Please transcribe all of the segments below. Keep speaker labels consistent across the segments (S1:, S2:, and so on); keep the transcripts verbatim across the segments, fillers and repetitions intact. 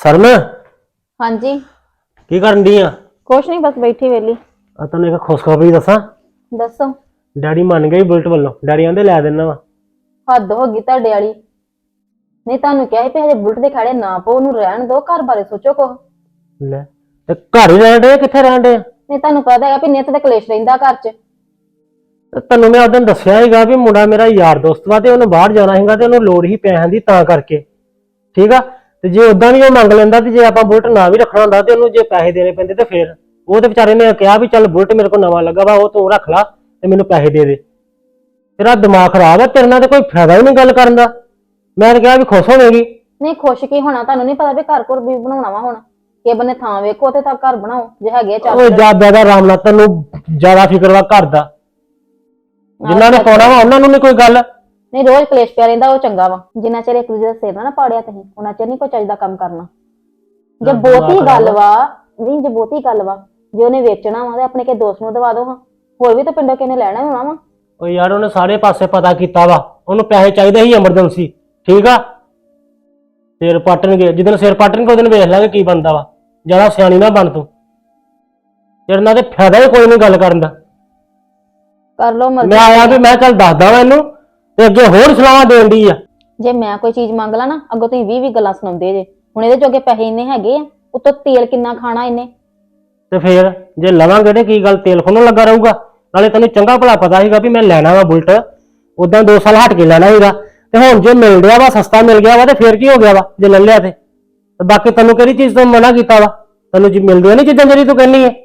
S1: सरन
S2: हाँ जी।
S1: की करन दी आ?
S2: कुछ नहीं, बस बैठी वेली।
S1: आ तैਨੂੰ एक खुशखबरी दसा।
S2: दसो।
S1: डैडी मान गए बुलेट वालों। डैडी आंदे लै देना वा।
S2: हद हो गई तुहाडे वाली। नहीं तुहानू क्या है हजे बुलेट दे खड़े ना पो, ओनू रहन दो, घर बारे सोचो कुछ।
S1: ले ते घर ही रहन डे, कित्थे रहन डे?
S2: नहीं तुहानू पता है भी नित ते कलेश रहिंदा घर च।
S1: तैनू मैं उस दिन दस्सिया सीगा भी मुंडा मेरा यार दोस्त वा ते ओनू बाहर जाना सीगा ते ओनू लोड़ ही पैसिਆਂ दी तां करके। ठीक आ ते जे उदां भी ओ मंग लैंदा ते जे आपां बुलेट ना भी रखना हुंदा ते ओनू जे पैसे देने पैंदे ते फिर ਉਹ ਤੇ ਵਿਚਾਰੇ ਨੇ ਕਿਹਾ ਵੀ ਚੱਲ ਬੁਲਟ ਮੇਰੇ ਕੋਲ ਨਵਾਂ ਲੱਗਾ ਵਾ ਉਹ ਤੂੰ ਰੱਖ ਲਾ ਤੇ ਮੈਨੂੰ ਪੈਸੇ ਦੇ ਦੇ। ਤੇਰਾ ਦਿਮਾਗ ਖਰਾਬ ਹੈ, ਤੇਰੇ ਨਾਲ ਤੇ ਕੋਈ ਫਾਇਦਾ ਹੀ ਨਹੀਂ ਗੱਲ ਕਰਨ ਦਾ। ਮੈਂ ਤਾਂ ਕਿਹਾ ਵੀ ਖੁਸ਼ ਹੋਵੇਗੀ।
S2: ਨਹੀਂ ਖੁਸ਼ ਕੀ ਹੋਣਾ, ਤੁਹਾਨੂੰ ਨਹੀਂ ਪਤਾ ਵੀ ਘਰ ਘਰ ਵੀ ਬਣਾਉਣਾ ਵਾ। ਹੁਣ ਕਿ ਬੰਨੇ ਥਾਂ ਵੇਖੋ ਤੇ ਤਾਂ ਘਰ ਬਣਾਓ ਜੇ ਹੈਗੇ ਚਾਰ।
S1: ਓਏ ਜਿਆਦਾ ਦਾ ਆਰਾਮ ਨਾਲ, ਤੈਨੂੰ ਜ਼ਿਆਦਾ ਫਿਕਰ ਵਾ ਘਰ ਦਾ। ਜਿਨ੍ਹਾਂ ਨੇ ਪਾਉਣਾ ਵਾ ਉਹਨਾਂ ਨੂੰ ਨਹੀਂ ਕੋਈ ਗੱਲ।
S2: ਨਹੀਂ ਰੋਜ਼ ਕਲੇਸ਼ ਪਿਆ ਰਹਿੰਦਾ, ਉਹ ਚੰਗਾ ਵਾ। ਜਿੰਨਾ ਚਿਰ ਇੱਕ ਦੂਜੇ ਦਾ ਸਿਰ ਨਾ ਪਾੜਿਆ ਤੁਸੀਂ ਉਹਨਾਂ ਚਿਰ ਨਹੀਂ ਕੋਈ ਚੱਜਦਾ ਕੰਮ ਕਰਨਾ। ਜੇ ਬਹੁਤੀ ਗੱਲ ਵਾ, ਨਹੀਂ ਜੇ ਬਹੁਤੀ ਗੱਲ ਵਾ, ਜੇ ਉਹਨੇ ਵੇਚਣਾ ਵਾ ਤੇ ਆਪਣੇ ਕੇ ਦੋਸਤ ਨੂੰ ਦਵਾ ਦੋ। ਹਾਂ ਹੋਰ ਵੀ ਤਾਂ ਪਿੰਡੋਂ ਕਿਨੇ ਲੈਣਾ ਹੋਣਾ ਵਾ।
S1: ਓ ਯਾਰ ਉਹਨੇ ਸਾਰੇ ਪਾਸੇ ਪਤਾ ਕੀਤਾ ਵਾ, ਉਹਨੂੰ ਪੈਸੇ ਚਾਹੀਦੇ ਸੀ ਐਮਰਜੈਂਸੀ। ਠੀਕ ਆ, ਸਿਰ ਪੱਟਣਗੇ ਜਿੱਦਣ ਸਿਰ ਪੱਟਣਗੇ ਉਹਦਨ ਵੇਖ ਲਾਂਗੇ ਕੀ ਬਣਦਾ ਵਾ। ਜ਼ਿਆਦਾ ਸਿਆਣੀ ਨਾ ਬਣ ਤੂੰ, ਤੇਰੇ ਨਾਲ ਤੇ ਫਾਇਦਾ ਹੀ ਕੋਈ ਨਹੀਂ ਗੱਲ ਕਰਨ ਦਾ।
S2: ਕਰ ਲੋ ਮਰਜ਼ੀ।
S1: ਮੈਂ ਆਇਆ ਵੀ ਮੈਂ ਚੱਲ ਦੱਸਦਾ ਵਾ ਇਹਨੂੰ ਤੇ ਅੱਗੇ ਹੋਰ ਸਲਾਹਾਂ ਦੇਣ ਦੀ ਆ।
S2: ਜੇ ਮੈਂ ਕੋਈ ਚੀਜ਼ ਮੰਗ ਲਾ ਨਾ ਅੱਗੋਂ ਤੁਸੀਂ ਵੀਹ ਵੀਹ ਗੱਲਾਂ ਸੁਣਾਉਂਦੇ ਜੇ। ਹੁਣ ਇਹਦੇ ਜੋਗੇ ਪੈਸੇ ਇੰਨੇ ਹੈਗੇ ਆ, ਉੱਤੋਂ ਤੇਲ ਕਿੰਨਾ ਖਾਣਾ ਇਹਨੇ।
S1: ਤੇ ਫੇਰ ਜੇ ਲਵਾਂਗੇ ਤੇ ਕੀ ਗੱਲ ਤੇਲ ਖੋਣੋਂ ਲੱਗਾ ਰਹੂਗਾ। ਨਾਲੇ ਤੈਨੂੰ ਚੰਗਾ ਭਲਾ ਪਤਾ ਸੀਗਾ ਵੀ ਮੈਂ ਲੈਣਾ ਵਾ ਬੁਲਟ, ਉਦਾਂ ਦੋ ਸਾਲ ਹਟ ਕੇ ਲੈਣਾ ਸੀਗਾ ਤੇ ਹੁਣ ਜੇ ਮਿਲ ਰਿਹਾ ਵਾ, ਸਸਤਾ ਮਿਲ ਗਿਆ ਵਾ ਤੇ ਫੇਰ ਕੀ ਹੋ ਗਿਆ ਵਾ ਜੇ ਲੈ ਲਿਆ ਤੇ। ਬਾਕੀ ਤੈਨੂੰ ਕਿਹੜੀ ਚੀਜ਼ ਤੋਂ ਮਨਾ ਕੀਤਾ ਵਾ? ਤੈਨੂੰ ਜੀ ਮਿਲਦੀਆਂ ਨਹੀਂ ਚੀਜ਼ਾਂ ਜਿਹੜੀ ਤੂੰ ਕਹਿੰਨੀ ਹੈ।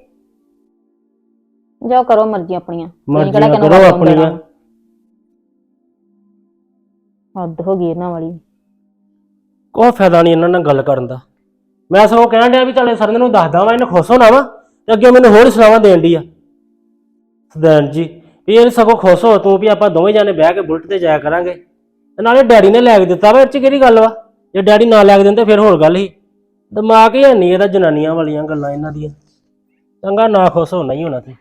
S2: ਜਾਓ ਕਰੋ ਮਰਜ਼ੀ ਆਪਣੀਆਂ,
S1: ਮਰਜ਼ੀਆਂ ਕਰੋ ਆਪਣੀਆਂ।
S2: ਹੱਦ ਹੋ ਗਈ ਇਹਨਾਂ ਵਾਲੀ।
S1: ਕੋਈ ਫਾਇਦਾ ਨਹੀਂ ਇਹਨਾਂ ਨਾਲ ਗੱਲ ਕਰਨ ਦਾ। ਮੈਂ ਸਗੋਂ ਕਹਿਣ ਡਿਆ ਵੀ ਚੱਲ ਸਰਨ ਨੂੰ ਦੱਸਦਾ ਵਾ, ਇਹਨੇ ਖੁਸ਼ ਹੋਣਾ ਵਾ ਤੇ ਅੱਗੇ ਮੈਨੂੰ ਹੋਰ ਸਲਾਹਾਂ ਦੇਣ ਦੀ ਆ। ਸਦੈਨ ਜੀ ਵੀ ਇਹ ਸਗੋਂ ਖੁਸ਼ ਹੋ ਤੂੰ ਵੀ ਆਪਾਂ ਦੋਵੇਂ ਜਾਣੇ ਬਹਿ ਕੇ ਬੁਲਟ ਤੇ ਜਾਇਆ ਕਰਾਂਗੇ। ਤੇ ਨਾਲੇ ਡੈਡੀ ਨੇ ਲੈ ਕੇ ਦਿੱਤਾ ਵਾ, ਇਹ 'ਚ ਕਿਹੜੀ ਗੱਲ ਵਾ? ਜੇ ਡੈਡੀ ਨਾ ਲੈ ਕੇ ਦਿੰਦੇ ਫਿਰ ਹੋਰ ਗੱਲ ਸੀ। ਦਿਮਾਗ ਹੀ ਹੈ ਨਹੀਂ ਇਹਦਾ, ਜਨਾਨੀਆਂ ਵਾਲੀਆਂ ਗੱਲਾਂ ਇਹਨਾਂ ਦੀਆਂ। ਚੰਗਾ ਨਾ ਖੁਸ਼ ਹੋਣਾ ਹੀ ਹੋਣਾ ਤੇ।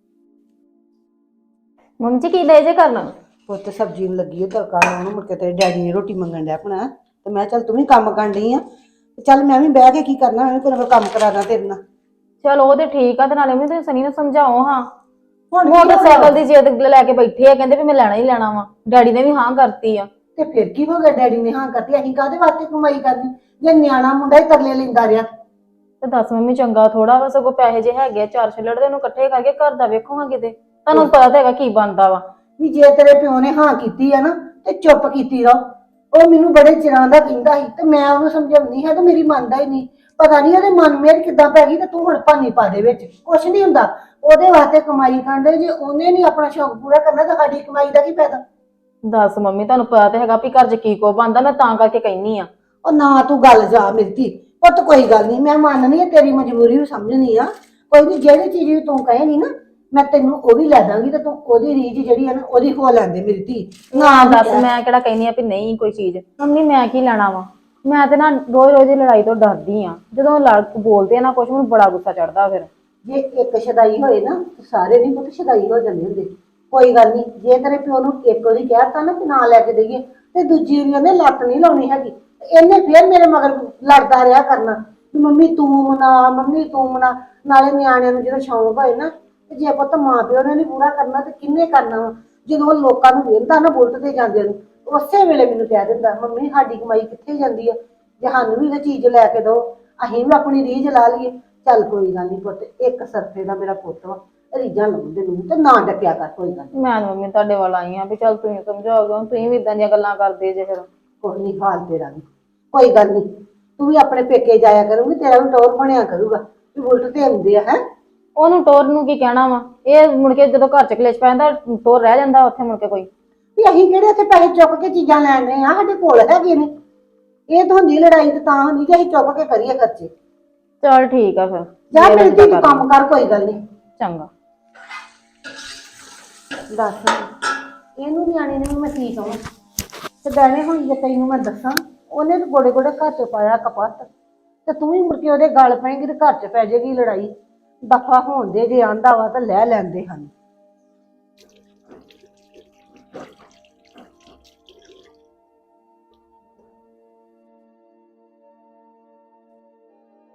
S2: ਮੰਮੀ ਜੀ ਕੀ ਲੈ ਜੇ ਕਰਨਾ?
S3: ਪੁੱਤ ਸਬਜ਼ੀ ਨੂੰ ਲੱਗੀ ਹੈ ਤੜਕਾ ਲਾਉਣ, ਮੁੜ ਕੇ ਤੇਰੇ ਡੈਡੀ ਨੇ ਰੋਟੀ ਮੰਗਣ ਡਿਆ ਆਪਣਾ ਤੇ ਮੈਂ ਚੱਲ ਤੂੰ ਵੀ ਕੰਮ ਕਰਨ ਡਈ ਆ ਤੇ ਚੱਲ ਮੈਂ ਵੀ ਬਹਿ ਕੇ ਕੀ ਕਰਨਾ, ਮੈਂ ਵੀ ਕੋਈ ਨਾ ਕੋਈ ਕੰਮ ਕਰਾਦਾ ਤੇਰੇ ਨਾਲ।
S2: ਚਲ ਉਹ ਤੇ ਠੀਕ ਆ, ਤੇ ਨਾਲੇ ਮੈਂ ਤੁਸੀਂ ਸਨੀ ਨੂੰ ਸਮਝਾਓ। ਹਾਂ
S3: ਹੁਣ
S2: ਮੋਟਰਸਾਈਕਲ ਦੀ ਜਿੱਦ ਲੈ ਕੇ ਬੈਠੇ ਆ, ਕਹਿੰਦੇ ਵੀ ਮੈਂ ਲੈਣਾ ਹੀ ਲੈਣਾ ਵਾ। ਡੈਡੀ ਨੇ ਵੀ ਹਾਂ ਕਰਤੀ ਆ।
S3: ਤੇ ਫਿਰ ਕੀ ਹੋ ਗਿਆ, ਡੈਡੀ ਨੇ ਹਾਂ ਕਰਤੀ, ਅਸੀਂ ਕਾਹਦੇ ਵਾਸਤੇ ਕਮਾਈ ਕਰਨੀ ਜੇ ਨਿਆਣਾ ਮੁੰਡਾ ਹੀ ਤਰਲੇ ਲੈਂਦਾ ਰਿਹਾ।
S2: ਤੇ ਦੱਸ ਮੰਮੀ ਚੰਗਾ ਥੋੜਾ ਵਾ, ਸਗੋਂ ਪੈਸੇ ਜੇ ਹੈਗੇ ਆ ਚਾਰ ਛਿੱਲੜ ਦੇ ਉਹਨੂੰ ਇਕੱਠੇ ਕਰਕੇ ਘਰ ਦਾ ਵੇਖੋ ਹਾਂ ਕਿਤੇ। ਤੁਹਾਨੂੰ ਪਤਾ ਤਾਂ ਹੈਗਾ ਕੀ ਬਣਦਾ ਵਾ।
S3: ਵੀ ਜੇ ਤੇਰੇ ਪਿਓ ਨੇ ਹਾਂ ਕੀਤੀ ਆ ਨਾ ਤੇ ਚੁੱਪ ਕੀਤੀ ਰਹੋ। ਉਹ ਮੈਨੂੰ ਬੜੇ ਚਿਰਾਂ ਦਾ ਕਹਿੰਦਾ ਸੀ ਤੇ ਮੈਂ ਉਹਨੂੰ ਸਮਝਾਉਂਦੀ ਹਾਂ ਤੇ ਮੇਰੀ ਮੰਨਦਾ ਹੀ ਨਹੀਂ। ਪਤਾ ਨਹੀਂ ਉਹਦੇ ਮਨ ਮੇਰ ਕਿੱਦਾਂ ਪੈ ਗਈ ਤੇ ਤੂੰ ਹੁਣ ਭਾਨੀ ਪਾ ਦੇ ਵਿੱਚ। ਕੁਛ ਨਹੀਂ ਹੁੰਦਾ, ਉਹਦੇ ਵਾਸਤੇ ਕਮਾਈ ਕਰਦੇ, ਜੇ ਉਹਨੇ ਨਹੀਂ ਆਪਣਾ ਸ਼ੌਕ ਪੂਰਾ ਕਰਨਾ ਤਾਂ ਸਾਡੀ ਕਮਾਈ ਦਾ ਕੀ ਫਾਇਦਾ?
S2: ਦੱਸ ਮੰਮੀ ਤੁਹਾਨੂੰ ਪਤਾ ਤਾਂ ਹੈਗਾ ਵੀ ਘਰ 'ਚ ਕੀ ਕੋ ਬਣਦਾ, ਮੈਂ ਤਾਂ ਕਰਕੇ ਕਹਿੰਨੀ ਆ।
S3: ਉਹ ਨਾ ਤੂੰ ਗੱਲ ਜਾ ਮਿਲਦੀ ਪੁੱਤ, ਕੋਈ ਗੱਲ ਨਹੀਂ, ਮੈਂ ਮੰਨਨੀ ਆ ਤੇਰੀ ਮਜਬੂਰੀ ਵੀ ਸਮਝਣੀ ਆ। ਕੋਈ ਨਹੀਂ, ਜਿਹੜੀ ਚੀਜ਼ ਵੀ ਤੂੰ ਕਹੇਗੀ ਨਾ ਮੈਂ ਤੈਨੂੰ ਉਹ ਵੀ ਲੈ ਦਾਂਗੀ ਤੇ ਤੂੰ ਉਹਦੀ ਰੀਝ ਜਿਹੜੀ ਆ ਨਾ ਉਹਦੀ ਹੋ ਲੈਂਦੇ ਮੇਰੀ ਧੀ।
S2: ਨਾ ਦੱਸ ਮੈਂ ਕਿਹੜਾ ਕਹਿੰਨੀ ਆ ਵੀ ਨਹੀਂ ਕੋਈ ਚੀਜ਼। ਮੰਮੀ ਮੈਂ ਕੀ ਲੈਣਾ ਵਾ? ਮੈਂ ਤੇ ਨਾ ਰੋਜ਼ ਰੋਜ਼ ਦੀ ਲੜਾਈ ਤੋਂ ਡਰਦੀ ਆ। ਜਦੋਂ ਲੜ ਬੋਲਦੇ ਆ ਨਾ ਕੁਛ, ਮੈਨੂੰ ਬੜਾ ਗੁੱਸਾ ਚੜਦਾ। ਫਿਰ
S3: ਜੇ ਇੱਕ ਸ਼ਦਾਈ ਹੋਏ ਨਾ ਸਾਰੇ ਨਹੀਂ ਪੁੱਤ ਸ਼ਦਾਈ ਹੋ ਜਾਂਦੇ ਹੁੰਦੇ। ਕੋਈ ਗੱਲ ਨਹੀਂ, ਜੇ ਤੇਰੇ ਪਿਓ ਨੂੰ ਇੱਕ ਵਾਰੀ ਕਹਿਤਾ ਨਾ ਕਿ ਨਾ ਲੈ ਕੇ ਦੇਈਏ ਤੇ ਦੂਜੀ ਵਾਰੀ ਉਹਨੇ ਲੱਤ ਨਹੀਂ ਲਾਉਣੀ ਹੈਗੀ। ਇਹਨੇ ਫੇਰ ਮੇਰੇ ਮਗਰ ਲੜਦਾ ਰਿਹਾ ਕਰਨਾ ਵੀ ਮੰਮੀ ਤੂੰ ਮਨਾ, ਮੰਮੀ ਤੂੰ ਮਨਾ। ਨਾਲੇ ਨਿਆਣਿਆਂ ਨੂੰ ਜਦੋਂ ਸ਼ੌਂਕ ਹੋਏ ਨਾ ਤੇ ਜੇ ਪੁੱਤ ਮਾਂ ਪਿਓ ਨੇ ਨੀ ਪੂਰਾ ਕਰਨਾ ਤੇ ਕਿੰਨੇ ਕਰਨਾ ਵਾ? ਜਦੋਂ ਲੋਕਾਂ ਨੂੰ ਵੇਖਦਾ ਨਾ ਬੁਲਟ ਤੇ ਜਾਂਦੇ ਨੂੰ, ਉਸੇ ਵੇਲੇ ਮੈਨੂੰ ਕਹਿ ਦਿੰਦਾ ਮੰਮੀ ਸਾਡੀ ਕਮਾਈ ਕਿੱਥੇ ਜਾਂਦੀ ਆ, ਜੇ ਸਾਨੂੰ ਵੀ ਇਹ ਚੀਜ਼ ਲੈ ਕੇ ਦਿਓ ਅਸੀਂ ਵੀ ਆਪਣੀ ਰੀਝ ਲਾ ਲਈਏ। ਚੱਲ ਕੋਈ ਗੱਲ ਨਹੀਂ ਪੁੱਤ, ਇੱਕ ਸਰਫੇ ਦਾ ਮੇਰਾ ਪੁੱਤ ਵਾ, ਰੀਝਾਂ ਲਾਉਂਦੇ ਨੂੰ ਤੇ ਨਾ ਡੱਕਿਆ ਕਰ। ਕੋਈ ਗੱਲ
S2: ਮੈਂ ਮੰਮੀ ਤੁਹਾਡੇ ਵੱਲ ਆਈ ਆ ਵੀ ਚੱਲ ਤੁਸੀਂ ਸਮਝਾਓਗੇ, ਤੁਸੀਂ ਵੀ ਇਦਾਂ ਦੀਆਂ ਗੱਲਾਂ ਕਰਦੇ ਜੇ। ਫਿਰ
S3: ਕੁਛ ਨਹੀਂ, ਹਾਲ ਤੇਰਾ ਵੀ ਕੋਈ ਗੱਲ ਨਹੀਂ, ਤੂੰ ਵੀ ਆਪਣੇ ਪੇਕੇ ਜਾਇਆ ਕਰੂੰਗੀ, ਤੇਰਾ ਵੀ ਟੌਰ ਬਣਿਆ ਕਰੂਗਾ ਵੀ ਬੁਲਟ ਤੇ ਆਉਂਦੇ ਆ। ਹੈ
S2: ਉਹਨੂੰ ਟੋਰ ਨੂੰ ਕੀ ਕਹਿਣਾ ਵਾ? ਇਹ ਮੁੜ ਕੇ ਜਦੋਂ ਘਰ 'ਚ ਕਲੇਸ਼ ਪੈ ਜਾਂਦਾ ਟੋਰ ਰਹਿ ਜਾਂਦਾ ਉੱਥੇ ਮੁੜ ਕੇ ਕੋਈ।
S3: ਵੀ ਅਸੀਂ ਕਿਹੜੇ ਉੱਥੇ ਪੈਸੇ ਚੁੱਕ ਕੇ ਚੀਜ਼ਾਂ ਲੈਣੇ ਆ, ਸਾਡੇ ਕੋਲ ਹੈਗੇ ਨੇ। ਇਹ ਤਾਂ ਹੁੰਦੀ ਲੜਾਈ ਤੇ ਤਾਂ ਹੁੰਦੀ ਕਿ ਅਸੀਂ ਚੁੱਕ ਕੇ ਕਰੀਏ ਖਰਚੇ।
S2: ਚਲ ਠੀਕ ਆ ਫਿਰ
S3: ਜਾ ਮਿਲਦੀ ਤੂੰ ਕੰਮ ਕਰ, ਕੋਈ ਗੱਲ ਨਹੀਂ।
S2: ਚੰਗਾ।
S3: ਦੱਸ ਇਹਨੂੰ ਨਿਆਣੇ ਨੇ ਵੀ ਮੈਂ ਕੀ ਕਹਾਂ ਤੇ ਡੈਣੇ ਹੁਣ ਜੇ ਤੈਨੂੰ ਮੈਂ ਦੱਸਾਂ, ਉਹਨੇ ਤਾਂ ਗੋੜੇ ਗੋੜੇ ਘਰ 'ਚ ਪਾਇਆ ਕਪੱਤ ਤੇ ਤੂੰ ਵੀ ਮੁੜ ਕੇ ਉਹਦੇ ਗਲ ਪਏਂਗੀ ਤੇ ਘਰ 'ਚ ਪੈ ਜਾਏਗੀ ਲੜਾਈ। ਦਫਾ ਹੋਣ ਦੇ, ਜੇ ਆਂਦਾ ਵਾ ਤਾਂ ਲੈ ਲੈਂਦੇ ਹਨ।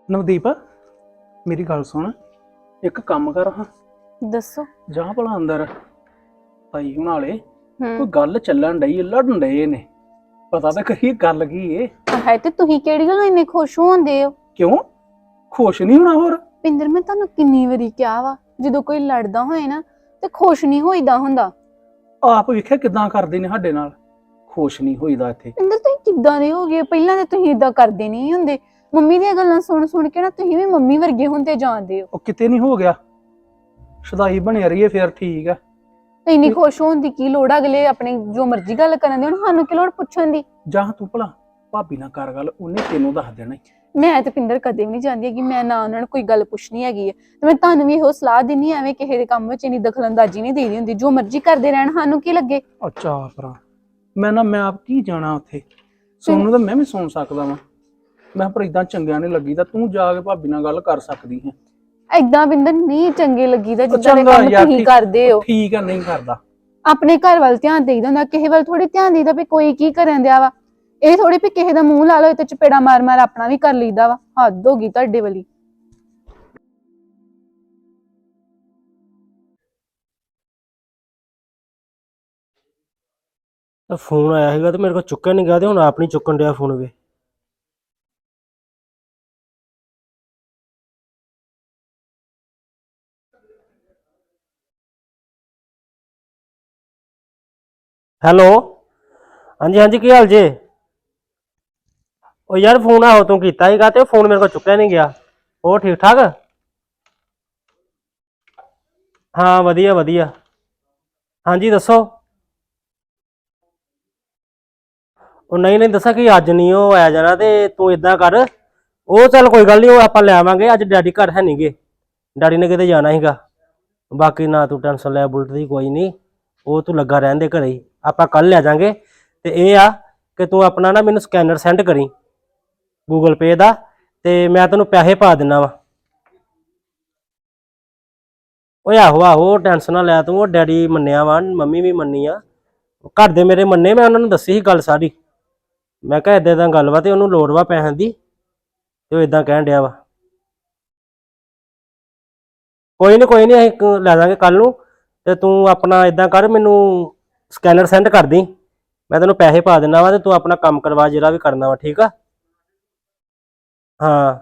S4: ਨਵਦੀਪ ਮੇਰੀ ਗੱਲ ਸੁਣ, ਇੱਕ ਕੰਮ ਕਰ ਹਾਂ,
S5: ਦੱਸੋ।
S4: ਜਾਂ ਭਲਾ ਅੰਦਰ ਭਾਈ ਹੁਣਾਂ ਵਾਲੇ ਕੋਈ
S5: ਹੂੰ
S4: ਗੱਲ ਚੱਲਣ ਡਈ, ਲੜਨ ਡਏ ਨੇ, ਪਤਾ ਤਾਂ ਕਰੀਏ ਗੱਲ ਕੀ ਏ।
S5: ਹੈ ਤੇ ਤੁਸੀਂ ਕਿਹੜੀ ਗੱਲ ਇੰਨੇ ਖੁਸ਼ ਹੁੰਦੇ ਹੋ?
S4: ਕਿਉਂ ਖੁਸ਼ ਨਹੀਂ ਹੋਣਾ ਹੋਰ?
S5: ਪਿੰਦਰ ਮੈਂ ਤੁਹਾਨੂੰ ਕਿੰਨੀ ਵਾਰੀ ਕਿਹਾ ਵਾ, ਜਦੋਂ ਕੋਈ ਲੜਦਾ ਹੋਏ ਨਾ ਤੇ ਖੁਸ਼ ਨਹੀਂ ਹੋਈਦਾ ਹੁੰਦਾ।
S4: ਆਪ ਵੇਖਿਆ ਕਿਦਾਂ ਕਰਦੇ ਨੇ ਸਾਡੇ ਨਾਲ, ਖੁਸ਼ ਨਹੀਂ ਹੋਈਦਾ ਇੱਥੇ।
S5: ਪਿੰਦਰ ਤੁਸੀਂ ਕਿੱਦਾਂ ਦੇ ਹੋ ਗਏ? ਪਹਿਲਾਂ ਤਾਂ ਤੁਸੀਂ ਇਦਾਂ ਕਰਦੇ ਨਹੀਂ ਹੁੰਦੇ। ਮੰਮੀ ਦੀਆਂ ਗੱਲਾਂ ਸੁਣ ਸੁਣ ਕੇ ਨਾ ਤੁਸੀਂ ਵੀ ਮੰਮੀ ਵਰਗੇ ਹੁੰਦੇ ਜਾਂਦੇ ਹੋ।
S4: ਉਹ ਕਿਤੇ ਨਹੀਂ ਹੋ ਗਿਆ, ਸਦਾਈ ਬਣਿਆ ਰਹੀਏ ਫਿਰ ਠੀਕ ਆ।
S5: ਇੰਨੀ ਖੁਸ਼ ਹੋਣ ਦੀ ਕੀ ਲੋੜ ਆ? ਅਗਲੇ ਆਪਣੇ ਜੋ ਮਰਜ਼ੀ ਗੱਲ ਕਰਨ ਦੇ, ਹੁਣ ਸਾਨੂੰ ਕੀ ਲੋੜ ਪੁੱਛਣ ਦੀ?
S4: ਜਾਂ ਤੂੰ ਭਲਾ ਭਾਬੀ ਨਾਲ ਕਰ ਗੱਲ, ਉਹਨੇ ਤੈਨੂੰ ਦੱਸ ਦੇਣਾ ਈ।
S5: ਮੈਂ ਤੇ ਪਿੰਦਰ ਕਦੇ ਵੀ ਨਹੀਂ ਚਾਹੁੰਦੀ ਕਿ ਮੈਂ ਨਾ ਉਹਨਾਂ ਨੂੰ ਕੋਈ ਗੱਲ ਪੁੱਛਣੀ ਹੈਗੀ ਹੈ। ਤੇ ਮੈਂ ਤੁਹਾਨੂੰ ਵੀ ਇਹੋ ਸਲਾਹ ਦਿੰਨੀ, ਐਵੇਂ ਕਿਸੇ ਦੇ ਕੰਮ ਵਿੱਚ ਇੰਨੀ ਦਖਲਅੰਦਾਜ਼ੀ ਨਹੀਂ ਦੇਣੀ ਹੁੰਦੀ। ਜੋ ਮਰਜ਼ੀ ਕਰਦੇ ਰਹਿਣ, ਸਾਨੂੰ ਕੀ ਲੱਗੇ।
S4: ਅੱਛਾ ਭਰਾ, ਮੈਂ ਨਾ ਮੈਂ ਆਪ ਕੀ ਜਾਣਾ ਉੱਥੇ, ਸੁਣਨ ਨੂੰ ਤਾਂ ਮੈਂ ਵੀ ਸੁਣ ਸਕਦਾ ਵਾਂ। ਮੈਂ ਪਰ ਇਦਾਂ ਚੰਗਿਆ ਨਹੀਂ ਲੱਗੀ ਤਾਂ ਤੂੰ ਜਾ ਕੇ ਭਾਬੀ ਨਾਲ ਗੱਲ ਕਰ ਸਕਦੀ ਹੈ।
S5: ਏਦਾਂ ਪਿੰਦਰ ਨਹੀਂ ਚੰਗੇ ਲੱਗੀਦਾ ਜਿੱਦਾਂ ਦੇ
S4: ਚੰਗਾ
S5: ਕੰਮ
S4: ਯਾਰ,
S5: ਤੁਸੀਂ
S4: ਠੀਕ-
S5: ਕਰਦੇ ਹੋ।
S4: ਠੀਕ ਆ, ਨਹੀਂ ਕਰਦਾ।
S5: ਆਪਣੇ ਘਰ ਵੱਲ ਧਿਆਨ ਦੇਈਦਾ ਹੁੰਦਾ, ਕਿਸੇ ਵੱਲ ਥੋੜੀ ਧਿਆਨ ਦੇਈਦਾ ਵੀ ਕੋਈ ਕੀ ਕਰਨ ਦਿਆ ਵਾ। ਇਹ ਥੋੜੀ ਵੀ ਕਿਸੇ ਦਾ ਮੂੰਹ ਲਾ ਲਓ ਤੇ ਚਪੇੜਾ ਮਾਰ ਮਾਰ ਆਪਣਾ ਵੀ ਕਰ ਲਈਦਾ ਵਾ। ਹੱਦ ਹੋ ਗਈ ਤੁਹਾਡੇ ਵਾਲੀ।
S1: ਤਾਂ ਫੋਨ ਆਇਆ ਸੀਗਾ ਤੇ ਮੇਰੇ ਕੋਲ ਚੁੱਕਿਆ ਨਹੀਂ ਗਿਆ, ਤੇ ਹੁਣ ਆਪ ਨਹੀਂ ਚੁੱਕਣ ਡਿਆ ਫੋਨ ਵੇ। ਹੈਲੋ, ਹਾਂਜੀ ਹਾਂਜੀ, ਕੀ ਹਾਲ ਜੇ? ਉਹ ਯਾਰ ਫੋਨ ਆਹੋ ਤੂੰ ਕੀਤਾ ਸੀਗਾ ਤੇ ਫੋਨ ਮੇਰੇ ਕੋਲ ਚੁੱਕਿਆ ਨਹੀਂ ਗਿਆ। ਉਹ ਠੀਕ ਠਾਕ? ਹਾਂ ਵਧੀਆ ਵਧੀਆ। ਹਾਂਜੀ ਦੱਸੋ। ਉਹ ਨਹੀਂ ਨਹੀਂ ਦੱਸਾਂ ਕਿ ਅੱਜ ਨਹੀਂ ਉਹ ਆਇਆ ਜਾਣਾ, ਤੇ ਤੂੰ ਇਦਾਂ ਕਰ, ਉਹ ਚੱਲ ਕੋਈ ਗੱਲ ਨਹੀਂ, ਉਹ ਆਪਾਂ ਲੈ ਆਵਾਂਗੇ। ਅੱਜ ਡੈਡੀ ਘਰ ਹੈ ਨਹੀਂਗੇ, ਡੈਡੀ ਨੇ ਕਿਤੇ ਜਾਣਾ ਸੀਗਾ। ਬਾਕੀ ਨਾ ਤੂੰ ਟੈਨਸ਼ਨ ਲੈ, ਬੁਲਟ ਦੀ ਕੋਈ ਨਹੀਂ, ਉਹ ਤੂੰ ਲੱਗਾ ਰਹਿਣ ਦੇ ਘਰੇ ਹੀ, ਆਪਾਂ ਕੱਲ ਲੈ ਜਾਾਂਗੇ। ਤੇ ਇਹ ਆ ਕਿ ਤੂੰ ਆਪਣਾ ਨਾ ਮੈਨੂੰ ਸਕੈਨਰ ਸੈਂਡ ਕਰੀ ਗੂਗਲ ਪੇ ਦਾ, ਤੇ ਮੈਂ ਤੈਨੂੰ ਪੈਸੇ ਪਾ ਦਿੰਦਾ ਵਾ। ਓਏ ਆਹੋ ਆਹੋ, ਟੈਨਸ਼ਨ ਨਾ ਲੈ ਤੂੰ, ਉਹ ਡੈਡੀ ਮੰਨਿਆ ਵਾ, ਮੰਮੀ ਵੀ ਮੰਨੀ ਆ, ਘਰ ਦੇ ਮੇਰੇ ਮੰਨੇ। ਮੈਂ ਉਹਨਾਂ ਨੂੰ ਦੱਸੀ ਸੀ ਗੱਲ ਸਾਰੀ, ਮੈਂ ਕਿਹਾ ਏਦਾਂ ਏਦਾਂ ਗੱਲ ਵਾ ਤੇ ਉਹਨੂੰ ਲੋੜ ਵਾ ਪੈਸਿਆਂ ਦੀ, ਤੇ ਉਹ ਏਦਾਂ ਕਹਿਣ ਡਿਆ ਵਾ। ਕੋਈ ਨਹੀਂ ਕੋਈ ਨਹੀਂ, ਅਸੀਂ ਲੈ ਦਾਂਗੇ ਕੱਲ ਨੂੰ। ਤੇ ਤੂੰ ਆਪਣਾ ਏਦਾਂ ਕਰ, ਮੈਨੂੰ ਸਕੈਨਰ ਸੈਂਡ ਕਰ ਦੀ, ਮੈਂ ਤੈਨੂੰ ਪੈਸੇ ਪਾ ਦਿੰਦਾ ਵਾ, ਤੇ ਤੂੰ ਆਪਣਾ ਕੰਮ ਕਰਵਾ ਜਿਹੜਾ ਵੀ ਕਰਨਾ ਵਾ, ਠੀਕ ਆ? ਹਾਂ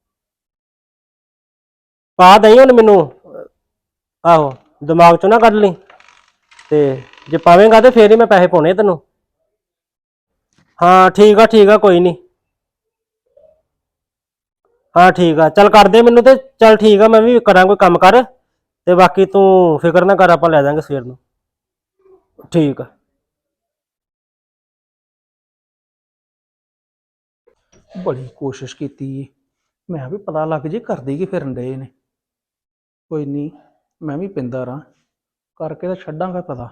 S1: ਪਾ ਦਈ ਹੁਣ ਮੈਨੂੰ, ਆਹੋ ਦਿਮਾਗ ਚੋਂ ਨਾ ਕੱਢ ਲਈ, ਤੇ ਜੇ ਪਾਵੇਂਗਾ ਤੇ ਫੇਰ ਹੀ ਮੈਂ ਪੈਸੇ ਪਾਉਣੇ ਤੈਨੂੰ। ਹਾਂ ਠੀਕ ਆ ਠੀਕ ਆ, ਕੋਈ ਨਹੀਂ। ਹਾਂ ਠੀਕ ਆ, ਚੱਲ ਕਰ ਦੇ ਮੈਨੂੰ, ਤੇ ਚੱਲ ਠੀਕ ਆ, ਮੈਂ ਵੀ ਕਰਾਂ ਕੋਈ ਕੰਮ ਕਰ, ਤੇ ਬਾਕੀ ਤੂੰ ਫਿਕਰ ਨਾ ਕਰ, ਆਪਾਂ ਲੈ ਜਾਾਂਗੇ ਸਵੇਰ ਨੂੰ। ਠੀਕ ਆ।
S4: ਬੜੀ ਕੋਸ਼ਿਸ਼ ਕੀਤੀ ਏ, ਮੈਂ ਵੀ ਪਤਾ ਲੱਗ ਜੇ ਕਰਦੇ ਕੀ ਫਿਰਨ ਡਏ ਨੇ। ਕੋਈ ਨਹੀਂ, ਮੈਂ ਵੀ ਪਿੰਦਾ ਰਾਂ, ਕਰਕੇ ਤਾਂ ਛੱਡਾਂਗਾ ਪਤਾ।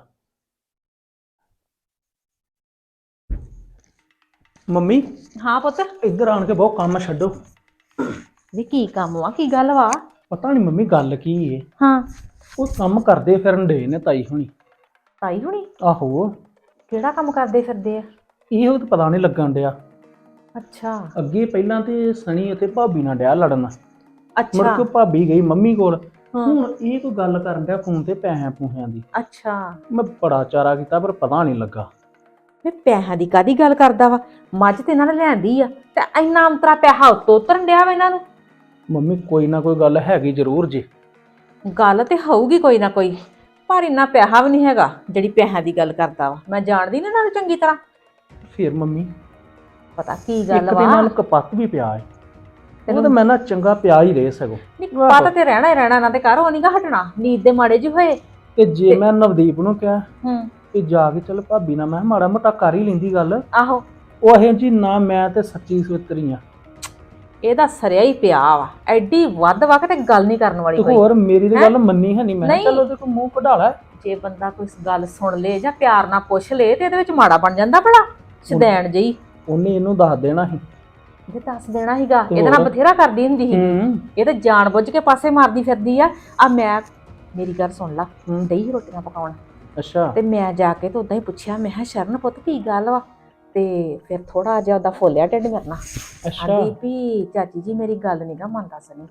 S4: ਮੰਮੀ
S6: ਹਾਂ ਪੁੱਤ।
S4: ਇੱਧਰ ਆਣ ਕੇ ਬਹੁਤ ਕੰਮ ਛੱਡੋ।
S6: ਵੀ ਕੀ ਕੰਮ ਵਾ, ਕੀ ਗੱਲ ਵਾ?
S4: ਪਤਾ ਨਹੀਂ ਮੰਮੀ ਗੱਲ ਕੀ ਏ,
S6: ਹਾਂ।
S4: ਉਹ ਕੰਮ ਕਰਦੇ ਫਿਰਨ ਡਏ ਨੇ ਤਾਈ ਹੁਣੀ।
S6: ਤਾਈ ਹੁਣੀ?
S4: ਆਹੋ।
S6: ਕਿਹੜਾ ਕੰਮ ਕਰਦੇ ਫਿਰਦੇ ਆ?
S4: ਇਹੋ ਤਾਂ ਪਤਾ ਨਹੀਂ ਲੱਗਣ ਡਿਆ।
S6: ਅੱਛਾ
S4: ਅੱਗੇ ਪਹਿਲਾਂ ਤੇ ਸਣੀ ਅਤੇ ਭਾਬੀ ਨਾਲ ਡਿਆ ਲੜਨ, ਮੁੜ
S6: ਅੱਛਾ
S4: ਕੇ ਭਾਬੀ ਗਈ ਮੰਮੀ ਕੋਲ,
S6: ਹਾਂ।
S4: ਹੁਣ ਇਹ ਕੋਈ ਗੱਲ ਕਰਨ ਡਿਆ ਫੋਨ ਤੇ ਪੈਸਿਆਂ ਪੂਸਿਆਂ ਦੀ।
S6: ਅੱਛਾ
S4: ਮੈਂ ਬੜਾ ਚਾਰਾ ਕੀਤਾ ਪਰ ਪਤਾ ਨਹੀਂ ਲੱਗਾ।
S6: ਵੀ ਪੈਸਿਆਂ ਦੀ ਕਾਦੀ ਗੱਲ ਕਰਦਾ ਵਾ? ਮੱਝ ਤੇ ਇਹਨਾਂ ਨੇ ਲੈਂਦੀ ਆ, ਤੇ ਇੰਨਾ ਅੰਤਰਾ ਪੈਸਾ ਉੱਤੋਂ ਉਤਰਨ ਡਿਆ ਵਾ ਇਹਨਾਂ ਨੂੰ।
S4: ਮੰਮੀ ਕੋਈ ਨਾ ਕੋਈ ਗੱਲ ਹੈਗੀ ਜ਼ਰੂਰ ਜੀ।
S6: ਗੱਲ ਤੇ ਹੋਊਗੀ ਕੋਈ ਨਾ ਕੋਈ, ਪਰ ਇੰਨਾ ਪੈਸਾ ਵੀ ਨਹੀਂ ਹੈਗਾ ਜਿਹੜੀ ਪੈਸਿਆਂ ਦੀ ਗੱਲ ਕਰਦਾ ਵਾ। ਮੈਂ ਜਾਣਦੀ ਨਾ ਇਹਨਾਂ ਨੂੰ ਚੰਗੀ ਤਰ੍ਹਾਂ।
S4: ਫਿਰ ਮੰਮੀ
S6: ਪਤਾ ਕੀ
S4: ਇੱਕ
S6: ਗੱਲ
S4: ਦੇ
S6: ਵਾ?
S4: ਨਾਲ ਕਪੱਤ ਵੀ ਪਿਆ ਹੈ, ਉਹ ਤਾਂ ਮੈਂ ਨਾ ਚੰਗਾ ਪਿਆ ਹੀ ਰਹੇ ਸਗੋਂ।
S6: ਨਹੀਂ ਪਤਾ ਤੇ ਰਹਿਣਾ ਹੀ ਰਹਿਣਾ ਇਹਨਾਂ ਦੇ ਘਰ, ਉਹ ਨੀ ਗਾ ਹਟਣਾ। ਨੀਂਦ ਦੇ ਮਾੜੇ ਜਿਹੇ ਹੋਏ
S4: ਤੇ ਜੇ ਮੈਂ ਨਵਦੀਪ ਨੂੰ ਕਿਹਾ
S6: ਹੂੰ
S4: ਕਿ ਜਾ ਕੇ ਚੱਲ ਭਾਬੀ ਨਾਲ, ਮੈਂ ਕਿਹਾ ਮਾੜਾ ਮੋਟਾ ਕਰ ਹੀ ਲੈਂਦੀ ਗੱਲ,
S6: ਆਹੋ
S4: ਉਹ ਇਹ ਜੀ ਨਾ, ਮੈਂ ਤੇ ਸੱਚੀ ਸਵਿਤਰੀ ਆ।
S6: ਇਹਦਾ ਸਰਿਆ ਹੀ ਪਿਆ ਵਾ, ਐਡੀ ਵੱਧ ਵਾ ਕਿ ਗੱਲ ਨਹੀਂ ਕਰਨ ਵਾਲੀ
S4: ਤੇ
S6: ਕੋਈ।
S4: ਹੋਰ ਮੇਰੀ ਤੇ ਗੱਲ ਮੰਨੀ ਹੈ ਨਹੀਂ, ਮੈਂ ਕਿਹਾ
S6: ਨਹੀਂ।
S4: ਚੱਲ ਉਹਦੇ ਕੋਲ ਮੂੰਹ ਕਢਾ ਲੈ।
S6: ਜੇ ਬੰਦਾ ਕੋਈ ਗੱਲ ਸੁਣ ਲੇ ਜਾਂ ਪਿਆਰ ਨਾਲ ਪੁੱਛ ਲੇ ਤੇ ਇਹਦੇ ਵਿੱਚ ਮਾੜਾ ਬਣ ਜਾਂਦਾ ਭਲਾ, ਸ਼ਦੈਣ ਜਿਹੀ।
S4: ਉਹਨੇ ਇਹਨੂੰ ਦੱਸ ਦੇਣਾ ਸੀ।
S6: ਜੇ ਦੱਸ ਦੇਣਾ ਸੀਗਾ,
S4: ਤੇ
S6: ਇਹਦੇ ਨਾਲ
S4: ਹੋਰ?
S6: ਬਥੇਰਾ ਕਰਦੀ ਹੁੰਦੀ ਸੀ।
S4: ਹੂੰ
S6: ਇਹ ਤਾਂ ਜਾਣ ਬੁੱਝ ਕੇ ਪਾਸੇ ਮਾਰਦੀ ਫਿਰਦੀ ਆ। ਆ ਮੈਂ, ਮੇਰੀ ਗੱਲ ਸੁਣ ਲਾ,
S4: ਹੂੰ।
S6: ਦਹੀਂ ਰੋਟੀਆਂ ਪਕਾਉਣ,
S4: ਅੱਛਾ
S6: ਤੇ ਮੈਂ ਜਾ ਕੇ ਤੇ ਉਦਾਂ ਹੀ ਪੁੱਛਿਆ, ਮੈਂ ਕਿਹਾ ਸ਼ਰਨ ਪੁੱਤ ਕੀ ਗੱਲ ਵਾ? ਤੇ ਫਿਰ ਥੋੜਾ ਜਿਹਾ ਉਹਦਾ ਫੋਲਿਆ ਢਿੱਡ ਕਰਨਾ
S4: ਅੱਛਾ
S6: ਆਂਦੀ ਵੀ ਚਾਚੀ ਜੀ ਮੇਰੀ ਗੱਲ ਨੀ ਗਾ ਮੰਨਦਾ ਸਨੀ।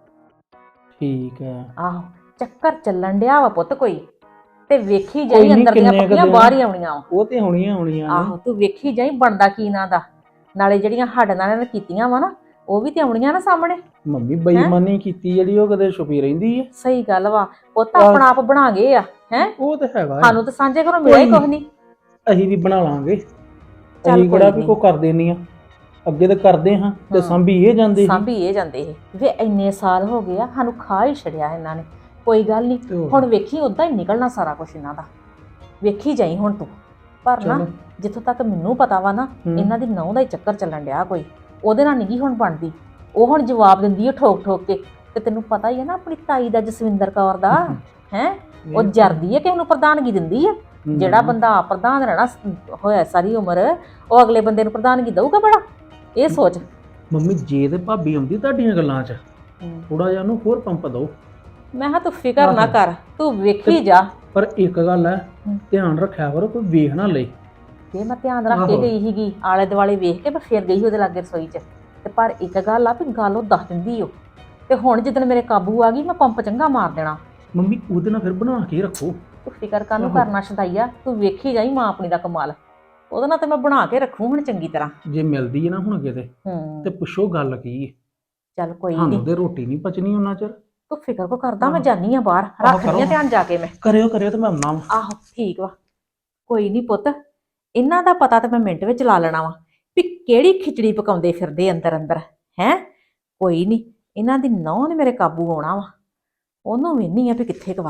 S4: ਠੀਕ ਹੈ।
S6: ਆਹੋ ਚੱਕਰ ਚੱਲਣ ਡਿਆ ਵਾ ਪੁੱਤ ਕੋਈ, ਤੇ ਵੇਖੀ
S4: ਕੋਈ
S6: ਜਾਈ
S4: ਨੀ,
S6: ਅੰਦਰ ਦੀਆਂ
S4: ਕਿੰਨੇ ਕੁ
S6: ਪੱਕੀਆਂ
S4: ਦਿਨ?
S6: ਬਾਹਰ ਹੀ ਆਉਣੀਆਂ ਵਾ।
S4: ਉਹ ਤੇ ਹੋਣੀਆਂ ਹੋਣੀਆਂ ਨੇ।
S6: ਆਹੋ ਤੂੰ ਵੇਖੀ ਜਾਈ ਬਣਦਾ ਕੀ ਨਾਂ ਦਾ, ਨਾਲੇ ਜਿਹੜੀਆਂ ਸਾਡੇ ਨਾਲ ਇਹਨੇ ਕੀਤੀਆਂ ਵਾ ਨਾ ਉਹ ਵੀ ਤੇ ਆਉਣੀਆਂ ਨਾ ਸਾਹਮਣੇ।
S4: ਮੰਮੀ ਬੇਈਮਾਨੀ ਕੀਤੀ ਜਿਹੜੀ ਉਹ ਕਦੇ ਛੁਪੀ ਰਹਿੰਦੀ ਹੈ।
S6: ਸਹੀ ਗੱਲ ਵਾ, ਪੁੱਤ ਆਪਣਾ ਆਪ ਬਣਾ ਗਏ ਆ ਹੈ।
S4: ਉਹ ਤੇ ਹੈਗਾ ਹੈ।
S6: ਸਾਨੂੰ ਤਾਂ ਸਾਂਝੇ ਘਰੋਂ ਮਿਲਿਆ ਹੀ
S4: ਕੋਈ
S6: ਕੁਝ ਨਹੀਂ।
S4: ਅਸੀਂ ਵੀ ਬਣਾ ਲਾਂਗੇ।
S6: ਚੱਲ
S4: ਅਸੀਂ ਕਿਹੜਾ
S6: ਕੋਈ
S4: ਵੀ ਕੋ
S6: ਨੀ।
S4: ਕਰਦੇ ਨਹੀਂ ਆ, ਅੱਗੇ ਤਾਂ ਕਰਦੇ ਹਾਂ ਤੇ ਸਾਂਭੀ ਇਹ ਜਾਂਦੇ ਸੀ।
S6: ਸਾਂਭੀ ਇਹ ਜਾਂਦੇ ਇਹ ਵੇ ਇੰਨੇ ਸਾਲ ਹੋ ਗਏ ਆ ਸਾਨੂੰ ਖਾ ਹੀ ਛੜਿਆ ਇਹਨਾਂ ਨੇ। ਕੋਈ ਗੱਲ ਨਹੀਂ,
S4: ਤੇ ਹੋਰ।
S6: ਹੁਣ ਵੇਖੀ ਉਦਾਂ ਹੀ ਨਿਕਲਣਾ ਸਾਰਾ ਕੁਝ ਇਹਨਾਂ ਦਾ, ਵੇਖੀ ਜਾਈ ਹੁਣ ਤੂੰ। ਪਰ ਨਾ
S4: ਚਲੋ।
S6: ਜਿੱਥੋਂ ਤੱਕ ਮੈਨੂੰ ਪਤਾ ਵਾ ਨਾ
S4: ਹੂੰ।
S6: ਇਹਨਾਂ ਦੀ ਨਹੁੰ ਦਾ ਹੀ ਚੱਕਰ ਚੱਲਣ ਡਿਆ ਕੋਈ, ਉਹਦੇ ਨਾਲ ਨਹੀਂ ਹੁਣ ਬਣਦੀ। ਉਹ ਹੁਣ ਜਵਾਬ ਦਿੰਦੀ ਹੈ ਠੋਕ ਠੋਕ ਕੇ, ਤੇ ਤੈਨੂੰ ਪਤਾ ਹੀ ਹੈ ਨਾ ਆਪਣੀ ਤਾਈ ਦਾ ਜਸਵਿੰਦਰ ਕੌਰ ਦਾ ਹੈ, ਉਹ ਜਰਦੀ ਹੈ ਕਿਸੇ ਨੂੰ ਪ੍ਰਧਾਨਗੀ ਦਿੰਦੀ ਹੈ। ਜਿਹੜਾ ਬੰਦਾ ਆਪ ਪ੍ਰਧਾਨ ਰਹਿਣਾ ਹੋਇਆ ਸਾਰੀ ਉਮਰ, ਉਹ ਅਗਲੇ ਬੰਦੇ ਨੂੰ ਪ੍ਰਧਾਨਗੀ ਦਊਗਾ ਬੜਾ, ਇਹ ਸੋਚ।
S4: ਮੰਮੀ ਜੇ ਤੇ ਭਾਬੀ ਆਉਂਦੀ ਤੁਹਾਡੀਆਂ ਗੱਲਾਂ 'ਚ ਥੋੜਾ ਜਿਹਾ ਉਹਨੂੰ ਹੋਰ ਪੰਪ ਦਿਓ।
S6: ਮੈਂ ਕਿਹਾ ਤੂੰ ਫਿਕਰ ਨਾ ਕਰ, ਤੂੰ ਵੇਖੀ ਜਾ।
S4: ਪਰ ਇੱਕ ਗੱਲ ਹੈ, ਧਿਆਨ ਰੱਖਿਆ ਕਰੋ ਕੋਈ ਵੇਖ ਨਾ ਲਏ।
S6: ਤੇ ਮੈਂ ਧਿਆਨ ਰੱਖ ਕੇ ਗਈ ਸੀਗੀ, ਆਲੇ ਦੁਆਲੇ ਵੇਖ ਕੇ ਮੈਂ ਫੇਰ ਗਈ ਉਹਦੇ ਲਾਗੇ ਰਸੋਈ 'ਚ। ਤੇ ਪਰ ਇੱਕ ਗੱਲ ਆ ਵੀ ਗੱਲ ਉਹ ਦੱਸ ਦਿੰਦੀ ਓ, ਤੇ ਹੁਣ ਜਿੱਦਣ ਮੇਰੇ ਕਾਬੂ ਆ ਗਈ ਮੈਂ ਪੰਪ ਚੰਗਾ ਮਾਰ ਦੇਣਾ।
S4: ਮੰਮੀ ਉਹਦੇ ਨਾਲ ਫਿਰ ਬਣਾ ਕੇ ਰੱਖੋ।
S6: ਤੂੰ ਫਿਕਰ ਕਾਹਨੂੰ ਕਰਨਾ ਸ਼ਦਾਈਆ, ਤੂੰ ਵੇਖੀ ਜਾਈ ਮਾਂ ਆਪਣੀ ਦਾ ਕਮਾਲ। ਉਹਦੇ ਨਾਲ ਤੇ ਮੈਂ ਬਣਾ ਕੇ ਰੱਖੂ ਹੁਣ ਚੰਗੀ ਤਰ੍ਹਾਂ।
S4: ਜੇ ਮਿਲਦੀ ਹੈ ਨਾ ਹੁਣ ਕਿਤੇ
S6: ਹੂੰ
S4: ਤੇ ਪੁੱਛੋ ਗੱਲ ਕੀ ਹੈ।
S6: ਚੱਲ ਕੋਈ
S4: ਸਾਨੂੰ
S6: ਨਹੀਂ,
S4: ਤੇ ਰੋਟੀ ਨਹੀਂ ਪਚਣੀ ਉਹਨਾਂ ਚਿਰ।
S6: ਤੂੰ ਫਿਕਰ ਕੋ ਕਰਦਾ, ਮੈਂ ਜਾਨੀ ਆ ਬਾਹਰ, ਰੱਖਦੀ ਆ ਧਿਆਨ ਜਾ ਕੇ ਮੈਂ।
S4: ਕਰਿਓ ਕਰਿਓ ਤੇ ਮੈਂ ਆਉਣਾ ਵਾ।
S6: ਆਹੋ ਠੀਕ ਵਾ, ਕੋਈ ਨਹੀਂ ਪੁੱਤ, ਇਹਨਾਂ ਦਾ ਪਤਾ ਤੇ ਮੈਂ ਮਿੰਟ ਵਿੱਚ ਲਾ ਲੈਣਾ ਵਾ ਵੀ ਕਿਹੜੀ ਖਿਚੜੀ ਪਕਾਉਂਦੇ ਫਿਰਦੇ ਅੰਦਰ ਅੰਦਰ ਹੈ। ਕੋਈ ਨਹੀਂ, ਇਹਨਾਂ ਦੀ ਨਹੁੰ ਨੇ ਮੇਰੇ ਕਾਬੂ ਆਉਣਾ ਵਾ, ਉਹਨੂੰ ਵੇਹਨੀ ਆ ਵੀ ਕਿੱਥੇ ਕਵਾ।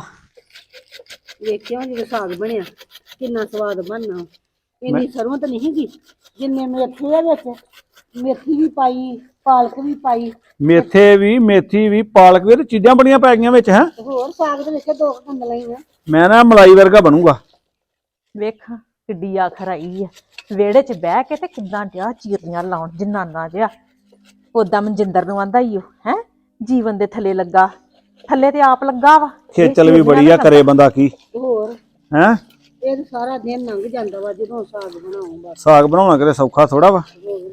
S3: ਵੇਖਿਆ ਜਦੋਂ ਸਾਗ ਬਣਿਆ ਕਿੰਨਾ ਸਵਾਦ ਬਣਨਾ। ਇੰਨੀ ਸਰੋਂ ਤਾਂ ਨਹੀਂ ਗਈ ਜਿੰਨੇ ਮੇਥੇ ਆ ਵਿੱਚ, ਮੇਥੀ ਵੀ ਪਾਈ, ਪਾਲਕ ਵੀ ਪਾਈ,
S7: ਮੇਥੇ ਵੀ, ਮੇਥੀ ਵੀ, ਪਾਲਕ ਵੀ, ਤੇ ਚੀਜ਼ਾਂ ਬੜੀਆਂ ਪੈ ਗਈਆਂ ਵਿੱਚ ਹੈ।
S3: ਤੇ ਹੋਰ ਸਾਗ ਦੇ ਵਿੱਚ ਦੋ ਕੰਦਲਾਂ ਹੀ ਆ।
S7: ਮੈਂ ਨਾ ਮਲਾਈ ਵਰਗਾ ਬਣੂਗਾ।
S6: ਵੇਖ ਕਿੱਡੀ ਆਖਰ ਆਈ ਆ, ਵਿਹੜੇ 'ਚ ਬਹਿ ਕੇ ਤੇ ਕਿੱਦਾਂ ਡਿਆ ਚੀਰਨੀਆਂ ਲਾਉਣ ਜਨਾਨਾ ਜਿਹਾ। ਉਦਾਂ ਮਨਜਿੰਦਰ ਨੂੰ ਆਂਦਾ ਈ ਓ ਹੈ, ਜੀਵਨ ਦੇ ਥੱਲੇ ਲੱਗਾ, ਥੱਲੇ ਤੇ ਆਪ ਲੱਗਾ ਵਾ।
S7: ਖੇਚਲ ਵੀ ਬੜੀ ਆ, ਕਰੇ ਬੰਦਾ ਕੀ
S3: ਤੇ ਹੋਰ
S7: ਹੈ।
S3: ਇਹ ਤਾਂ ਸਾਰਾ ਦਿਨ ਲੰਘ ਜਾਂਦਾ ਵਾ ਜਦੋਂ ਸਾਗ ਬਣਾਉਂ ਬਸ।
S7: ਸਾਗ ਬਣਾਉਣਾ ਕਿਤੇ ਸੌਖਾ ਥੋੜਾ ਵਾ।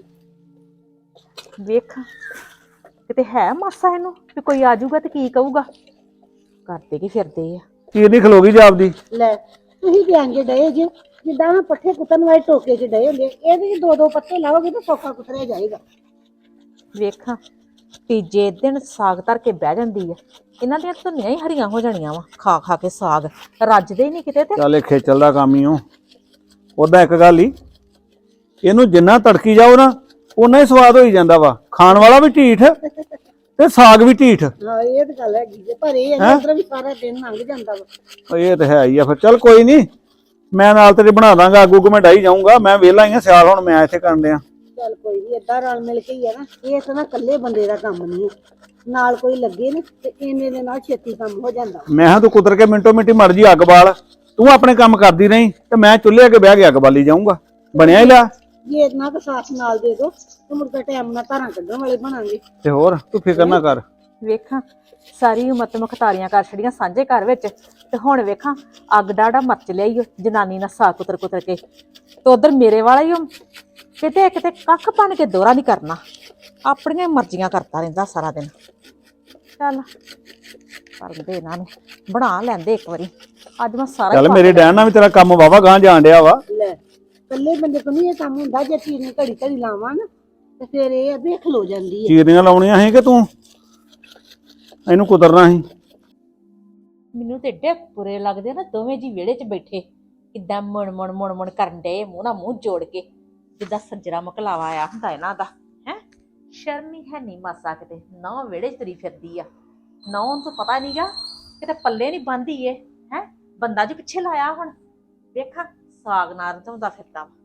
S6: ਵੇਖ ਕਿਤੇ ਹੈ ਮਾਸਾ ਇਹਨੂੰ ਵੀ ਕੋਈ ਆ ਜਾਊਗਾ ਤੇ ਕੀ ਕਹੂਗਾ। ਕਰਦੇ ਕੀ ਫਿਰਦੇ ਆ।
S7: ਚੀਰ ਨਹੀਂ ਖਲੋਗੀ ਜਾਪਦੀ।
S3: ਲੈ ਤੁਸੀਂ ਤੇ ਅੰਗੇ ਡਏ ਜੇ ਜਿੱਦਾਂ ਮੈਂ ਪੱਠੇ ਕੁੱਤਣ ਵਾਲੇ ਟੋਕੇ 'ਚ ਡਏ ਹੁੰਦੇ, ਇਹਦੇ 'ਚ ਦੋ ਦੋ ਪੱਤੇ ਲਾਓਗੇ ਤਾਂ ਸੌਖਾ ਕੁਤਰਿਆ ਜਾਏਗਾ।
S6: ਵੇਖਾਂ ਤੀਜੇ ਦਿਨ ਸਾਗ ਧਰ ਕੇ ਬਹਿ ਜਾਂਦੀ ਆ। ਇਹਨਾਂ ਦੀਆਂ ਧੁੰਨੀਆਂ ਹੀ ਹਰੀਆਂ ਹੋ ਜਾਣੀਆਂ ਵਾ ਖਾ ਖਾ ਕੇ ਸਾਗ, ਰੱਜਦੇ ਹੀ ਨਹੀਂ ਕਿਤੇ। ਤੇ
S7: ਚੱਲ ਇਹ ਖੇਚਲ ਦਾ ਕੰਮ ਹੀ ਓ। ਉਹਦਾ ਇੱਕ ਗੱਲ ਹੀ, ਇਹਨੂੰ ਜਿੰਨਾ ਤੜਕੀ ਜਾਓ ਨਾ ਓਨਾ ਹੀ ਸਵਾਦ ਹੋਈ ਜਾਂਦਾ ਵਾ। ਖਾਣ ਵਾਲਾ ਵੀ ਢੀਠ ਤੇ ਸਾਗ ਵੀ ਢੀਠ।
S3: ਹਾਂ ਇਹ ਤਾਂ ਗੱਲ ਹੈਗੀ ਜੇ, ਪਰ ਇਹ ਅੰਦਰ ਵੀ ਸਾਰਾ ਦਿਨ ਲੰਘ ਜਾਂਦਾ ਵਾ।
S7: ਇਹ ਤੇ ਹੈ ਹੀ ਆ। ਫਿਰ ਚੱਲ ਕੋਈ ਨਹੀਂ, ਮੈਂ ਨਾਲ ਤੇਰੇ ਬਣਾ ਦਾਂਗਾ। ਅੱਗੂ ਅੱਗੂ ਮੈਂ ਡਾਈ ਜਾਊਂਗਾ। ਮੈਂ ਵਿਹਲਾ ਹੀ ਆ, ਸਿਆਲ ਹੁਣ ਮੈਂ ਇੱਥੇ ਕਰਨ ਡਿਆ।
S3: ਚੱਲ ਕੋਈ ਨਹੀਂ, ਏਦਾਂ ਰਲ ਮਿਲ ਕੇ ਹੀ ਆ ਨਾ। ਇਹ ਤਾਂ ਨਾ ਇਕੱਲੇ ਬੰਦੇ ਦਾ ਕੰਮ ਨਹੀਂ ਹੈ, ਨਾਲ ਕੋਈ ਲੱਗੇ ਨਾ ਤੇ ਇੰਨੇ ਦੇ ਨਾਲ ਛੇਤੀ ਕੰਮ ਹੋ ਜਾਂਦਾ।
S7: ਮੈਂ ਕਿਹਾ ਤੂੰ ਕੁਦਰ ਕੇ ਮਿੰਟੋ ਮਿੰਟੀ ਮਰ ਜੀ ਅੱਗ ਬਾਲ, ਤੂੰ ਆਪਣੇ ਕੰਮ ਕਰਦੀ ਰਹੀ ਤੇ ਮੈਂ ਚੁੱਲ੍ਹੇ ਅੱਗੇ ਬਹਿ ਕੇ ਅੱਗ ਬਾਲੀ ਜਾਊਂਗਾ। ਬਣਿਆ ਹੀ ਲਿਆ।
S3: ਜੇ ਇਤਨਾ ਕੁ ਸਾਥ ਨਾਲ ਦੇ ਦੋ ਤੇ ਮੁੜ ਕੇ ਟਾਈਮ ਨਾਲ ਧਾਰਾਂ ਕੱਢਣ ਵਾਲੇ ਬਣਾਂਗੇ।
S7: ਤੇ ਹੋਰ ਤੂੰ ਫਿਕਰ ਨਾ ਕਰ।
S6: ਵੇਖਾਂ ਸਾਰੀ ਉਮਰ ਤੇ ਮੁਖਤਾਰੀਆਂ ਕਰ ਛੜੀਆਂ ਸਾਂਝੇ ਘਰ ਵਿੱਚ, ਤੇ ਹੁਣ ਵੇਖਾਂ ਅੱਗ ਡਾੜਾ ਮਰਚ ਲਿਆਈ ਓ ਜਨਾਨੀ ਨਾਲ ਸਾਗ ਕੁਤਰ ਕੁਤਰ ਕੇ। ਤੇ ਉਧਰ ਮੇਰੇ ਵਾਲਾ ਹੀ ਓ ਕਿਤੇ ਕਿਤੇ ਕੱਖ ਬਣ ਕੇ ਦੋਹਰਾ ਨਹੀਂ ਕਰਨਾ, ਆਪਣੀਆਂ ਮਰਜ਼ੀਆਂ ਕਰਦਾ ਰਹਿੰਦਾ ਸਾਰਾ ਦਿਨ। ਚੱਲ ਕਰਦੇ ਇਹਨਾਂ ਨੂੰ, ਬਣਾ ਲੈਂਦੇ ਇੱਕ ਵਾਰੀ। ਅੱਜ ਮੈਂ ਸਾਰਾ
S7: ਚੱਲ ਮੇਰੇ ਡੈਣ ਨਾਲ ਵੀ ਤੇਰਾ ਕੰਮ ਵਾਵਾ ਗਾਂ ਜਾਣ ਡਿਆ ਵਾ।
S3: ਲੈ ਇਕੱਲੇ ਬੰਦੇ ਤੋਂ ਨਹੀਂ ਇਹ ਕੰਮ ਹੁੰਦਾ। ਜੇ ਚੀਜ਼ ਨੂੰ ਘੜੀ ਘੜੀ ਲਾਵਾਂ ਨਾ ਤੇ ਫਿਰ ਇਹ ਅੱਧੇ ਖਲੋ ਜਾਂਦੀ ਹੈ।
S7: ਚੀਰੀਆਂ ਲਾਉਣੀਆਂ ਸੀ ਕਿ ਤੂੰ ਇਹਨੂੰ ਕੁਤਰਨਾ ਸੀ।
S6: ਮੈਨੂੰ ਤੇ ਏਡੇ ਬੁਰੇ ਲੱਗਦੇ ਨਾ ਦੋਵੇਂ ਜੀ ਵਿਹੜੇ 'ਚ ਬੈਠੇ, ਕਿੱਦਾਂ ਮੁਣ ਮੁਣ ਮੁਣ ਮੁਣ ਕਰਨ ਡਏ, ਮੂੰਹ ਨਾਲ ਮੂੰਹ ਜੋੜ ਕੇ, ਜਿੱਦਾਂ ਸੱਜਰਾ ਮਕਲਾਵਾ ਆਇਆ ਹੁੰਦਾ ਇਹਨਾਂ ਦਾ ਹੈ। ਸ਼ਰਮ ਹੀ ਹੈ ਨਹੀਂ ਮਾਸਾ ਕਿਤੇ, ਨਾ ਵਿਹੜੇ 'ਚ ਤੁਰੀ ਫਿਰਦੀ ਆ। ਨਾ ਉਹਨੂੰ ਤਾਂ ਪਤਾ ਨਹੀਂਗਾ ਕਿਤੇ ਪੱਲੇ ਨਹੀਂ ਬੰਨ੍ਹਦੀ ਏ ਹੈ। ਬੰਦਾ ਜੀ ਪਿੱਛੇ ਲਾਇਆ ਹੁਣ ਵੇਖਾਂ ਸਾਗ ਨਾਲ ਰਝਾਉਂਦਾ ਫਿਰਦਾ ਵਾ।